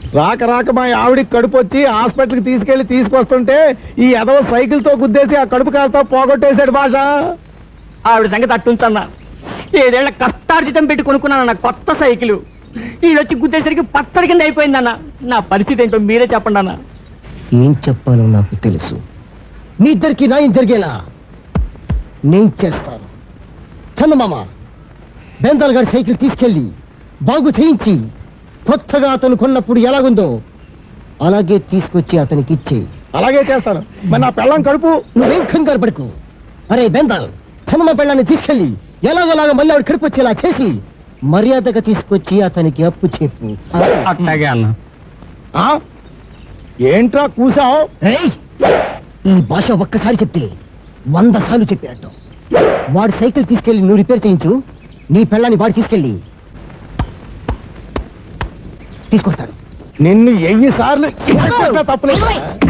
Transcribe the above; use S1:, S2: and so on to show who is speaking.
S1: రాక రాక మా ఆవిడికి కడుపు వచ్చి హాస్పిటల్కి తీసుకెళ్లి తీసుకొస్తుంటే ఈ ఎదవ సైకిల్ తో గుద్దేసి ఆ కడుపు కాలుతో పోగొట్టేశాడు భాష.
S2: ఆవిడ సంగతి అట్టుంచన్నా. 7 ఏళ్ల కష్టార్జితం పెట్టి కొనుక్కున్నానన్న కొత్త సైకిల్ ఈడొచ్చి గుద్దేసరికి పచ్చడి కింద అయిపోయిందన్న. నా పరిస్థితి ఏంటో మీరే చెప్పండి అన్న.
S3: ఏం చెప్పాలో నాకు తెలుసు. మీ ఇద్దరికి న్యాయం జరిగేలా నేను చేస్తాను. చందమామ, బెందాల్ గారి సైకిల్ తీసుకెళ్ళి బాగు చేయించి కొత్తగా అతను కొన్నప్పుడు ఎలాగుందో అలాగే తీసుకొచ్చి అతనికి ఇచ్చి.
S1: అలాగే చేస్తాను. మరి నా పెళ్ళం కడుపు.
S3: నువ్వేం కంగారు పడుకు. అరే బెందాల్, చందమ పెళ్ళాన్ని తీసుకెళ్ళి ఎలాగోలాగా మళ్ళీ ఆవిడ కడుపు వచ్చేలా చేసి మర్యాదగా తీసుకొచ్చి అతనికి అప్పు చెప్పు.
S2: అట్లాగే అన్న.
S1: ఏంట్రా కూసావు?
S3: ఈ భాష ఒక్కసారి చెప్తే 100 సార్లు చెప్పినట్టు. వాడి సైకిల్ తీసుకెళ్లి నువ్వు రిపేర్ చేయించు. నీ పెళ్ళాన్ని వాడు తీసుకెళ్ళి తీసుకొస్తాడు.
S1: నిన్ను 1000 సార్లు తప్పలేదు.